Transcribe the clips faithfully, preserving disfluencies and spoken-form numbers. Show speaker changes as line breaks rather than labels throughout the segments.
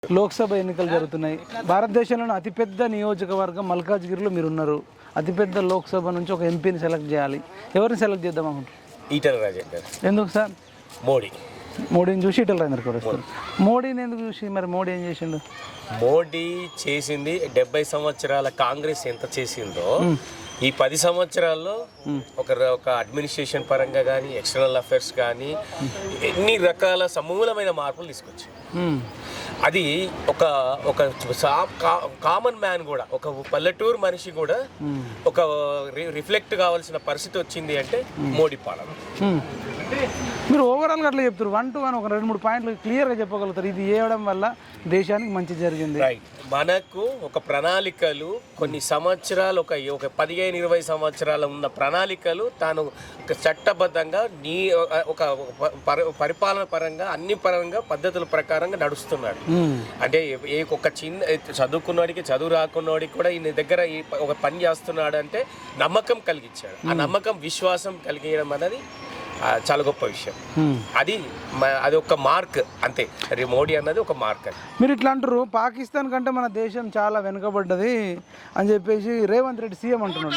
లోక్సభ ఎన్నికలు జరుగుతున్నాయి. భారతదేశంలోని అతిపెద్ద నియోజకవర్గం మల్కాజ్గిరిలో మీరు ఉన్నారు. అతిపెద్ద లోక్సభ నుంచి ఒక ఎంపీని సెలెక్ట్ చేయాలి. ఎవరిని సెలెక్ట్ చేద్దాం అనుకుంటారు?
ఈటల రాజేందర్.
ఎందుకు సార్?
మోడీ.
మోడీని చూసి ఈటల రాజేందర్ కూడా వస్తారు. మోడీని ఎందుకు చూసి? మరి మోడీ ఏం చేసిండు?
మోడీ చేసింది డెబ్బై సంవత్సరాల కాంగ్రెస్ ఎంత చేసిందో ఈ పది సంవత్సరాల్లో ఒక ఒక అడ్మినిస్ట్రేషన్ పరంగా కానీ ఎక్స్టర్నల్ అఫైర్స్ కానీ ఎన్ని రకాల సమూలమైన మార్పులు తీసుకొచ్చాయి. అది ఒక ఒక కామన్ మ్యాన్ కూడా, ఒక పల్లెటూరు మనిషి కూడా ఒక రిఫ్లెక్ట్ కావాల్సిన పరిస్థితి వచ్చింది అంటే మోడీ పాలన.
మీరు ఓవరాల్గా అట్లా చెప్తారు, వన్ టు వన్ ఒక రెండు మూడు పాయింట్లు క్లియర్గా చెప్పగలుగుతారు. ఇది చేయడం వల్ల దేశానికి మంచి జరిగింది.
రైట్. మనకు ఒక ప్రణాళికలు కొన్ని సంవత్సరాలు, ఒక ఒక పదిహేను ఇరవై సంవత్సరాల ఉన్న ప్రణాళికలు తాను చట్టబద్ధంగా నీ ఒక పరిపాలన పరంగా అన్ని పరంగా పద్ధతుల ప్రకారంగా నడుస్తున్నాడు. అంటే ఏ ఒక చిన్న చదువుకున్నవాడికి చదువు రాకున్నవాడికి కూడా ఈయన దగ్గర ఒక పని చేస్తున్నాడు అంటే నమ్మకం కలిగించాడు. ఆ నమ్మకం విశ్వాసం కలిగించడం అనేది చాలా గొప్ప విషయం. అది అది ఒక మార్క్ అంతే. మోడీ అన్నది ఒక మార్క్. అది
మీరు ఇట్లా అంటారు, పాకిస్తాన్ కంటే మన దేశం చాలా వెనుకబడ్డది అని చెప్పేసి రేవంత్ రెడ్డి సీఎం అంటున్నాడు.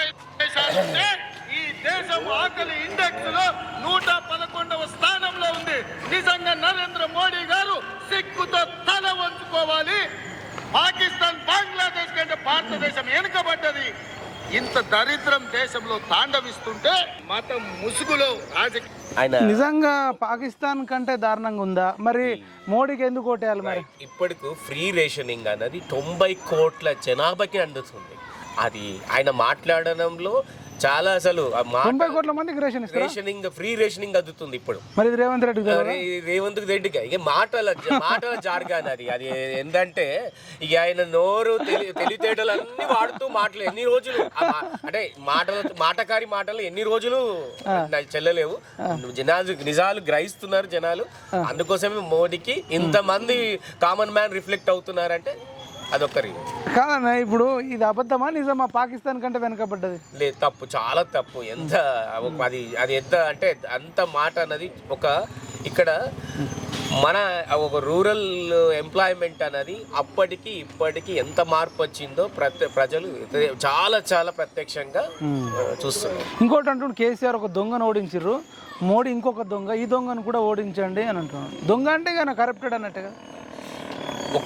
ఈ దేశం ఆకలి ఇండెక్స్ లో నూట పదకొండవ స్థానంలో ఉంది. నిజంగా నరేంద్ర మోడీ గారు సిగ్గుతో తల వంచుకోవాలి. పాకిస్తాన్ బంగ్లాదేశ్ కంటే భారతదేశం వెనుకబడ్డది. ఇంత దరిద్రం దేశంలో తాండవిస్తుంటే మతం ముసుగులో రాజకీయ
నిజంగా పాకిస్తాన్ కంటే దారుణంగా ఉందా? మరి మోడీకి ఎందుకు ఓటేయాలి? మరి
ఇప్పటికు ఫ్రీ రేషనింగ్ అన్నది తొంభై కోట్ల జనాభాకి అందుతుంది. అది ఆయన మాట్లాడడంలో చాలా అసలు
తొంభై కోట్ల మందికి రేషన్
రేషనింగ్ ఫ్రీ రేషనింగ్ అందుతుంది ఇప్పుడు.
మరి రేవంత్ రెడ్డి
రేవంత్ రెడ్డిగా ఇక మాటల మాటల జార్గాన్ అది. అది ఏంటంటే ఇక ఆయన నోరు తెలి తెలివితేటలు అన్ని వాడుతూ మాటలు ఎన్ని రోజులు అంటే మాటలు మాటకారి మాటలు ఎన్ని రోజులు చెల్లలేవు. జనాలు నిజాలు గ్రహిస్తున్నారు జనాలు. అందుకోసమే మోడీకి ఇంతమంది కామన్ మ్యాన్ రిఫ్లెక్ట్ అవుతున్నారంటే అదొక్కరి
కాదన్నా. ఇప్పుడు ఇది అబద్ధమా నిజమా? పాకిస్తాన్ కంటే వెనకబడ్డది
లేదు, తప్పు, చాలా తప్పు. ఎంత అది అది ఎంత అంటే అంత మాట అన్నది ఒక ఇక్కడ మన ఒక రూరల్ ఎంప్లాయ్మెంట్ అనేది అప్పటికి ఇప్పటికి ఎంత మార్పు వచ్చిందో ప్రతి ప్రజలు చాలా చాలా ప్రత్యక్షంగా చూస్తున్నారు.
ఇంకోటి అంటుండే, కేసీఆర్ ఒక దొంగను ఓడించారు, మోడీ ఇంకొక దొంగ, ఈ దొంగను కూడా ఓడించండి అని అంటున్నాడు. దొంగ అంటే కానీ కరప్టెడ్ అన్నట్టుగా
ఒక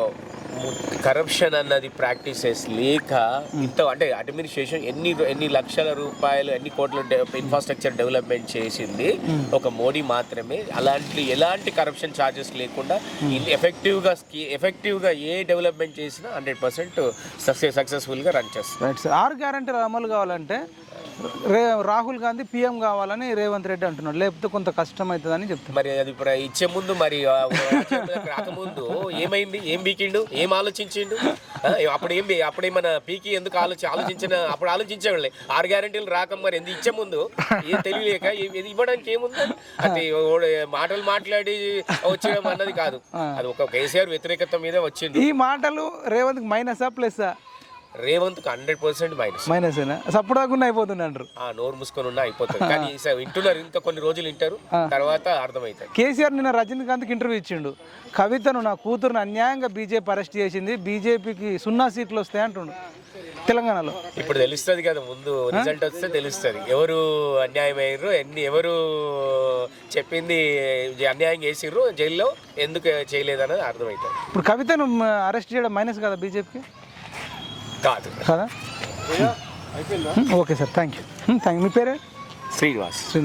కరప్షన్ అన్నది ప్రాక్టీసెస్ లేక ఇంత అంటే అడ్మినిస్ట్రేషన్ ఎన్ని ఎన్ని లక్షల రూపాయలు ఎన్ని కోట్ల ఇన్ఫ్రాస్ట్రక్చర్ డెవలప్మెంట్ చేసింది ఒక మోడీ మాత్రమే. అలాంటి ఎలాంటి కరప్షన్ ఛార్జెస్ లేకుండా ఎఫెక్టివ్గా ఎఫెక్టివ్గా ఏ డెవలప్మెంట్ చేసినా హండ్రెడ్ పర్సెంట్ సక్సెస్ సక్సెస్ఫుల్గా రన్ చేస్తారు.
ఆరు గ్యారంటీలు అమలు కావాలంటే రే రాహుల్ గాంధీ పీఎం కావాలని రేవంత్ రెడ్డి అంటున్నాడు, లేకపోతే కొంత కష్టం అవుతుందని చెప్తాను.
మరి అది ఇప్పుడు ఇచ్చే ముందు మరి రాకముందు ఏమైంది? ఏం బీకిండు? ఏం ఆలోచించిండు? అప్పుడు ఏం అప్పుడేమన్నా పీకి ఎందుకు ఆలోచి ఆలోచించిన అప్పుడు ఆలోచించేవాళ్ళే. ఆరు గ్యారెంటీలు రాక మరి ఎందుకు ఇచ్చే ముందు ఏం తెలియలేక ఇవ్వడానికి ఏముంది? అంటే మాటలు మాట్లాడి వచ్చేయడం అన్నది కాదు. అది ఒక కేసీఆర్ వ్యతిరేకత మీద వచ్చింది.
ఈ మాటలు రేవంత్ మైనసా plus?
Revanth hundred percent minus
minus support కాకుండా అయిపోతుంది అంటారు.
నోరు మూసుకొని ఉన్నా అయిపోతుంది. కానీ వింటున్నారు, ఇంత కొన్ని రోజులు వింటారు, తర్వాత అర్థమవుతుంది.
కేసీఆర్ నిన్న రజనీకాంత్కి ఇంటర్వ్యూ ఇచ్చిండు. కవితను నా కూతురుని అన్యాయంగా బీజేపీ అరెస్ట్ చేసింది, బీజేపీకి సున్నా సీట్లు వస్తాయి అంటుండు తెలంగాణలో.
ఇప్పుడు తెలుస్తుంది కదా, ముందు రిజల్ట్ వస్తే తెలుస్తుంది ఎవరు అన్యాయం అయ్యారు, ఎన్ని ఎవరు చెప్పింది అన్యాయం చేసిర్రు, జైల్లో ఎందుకు చేయలేదు అనేది అర్థమవుతుంది.
ఇప్పుడు కవితను అరెస్ట్ చేయడం మైనస్ కదా బీజేపీకి?
కాదు
కదా. Okay sir, thank you. Thank you. మీ పేరే?
శ్రీనివాస్.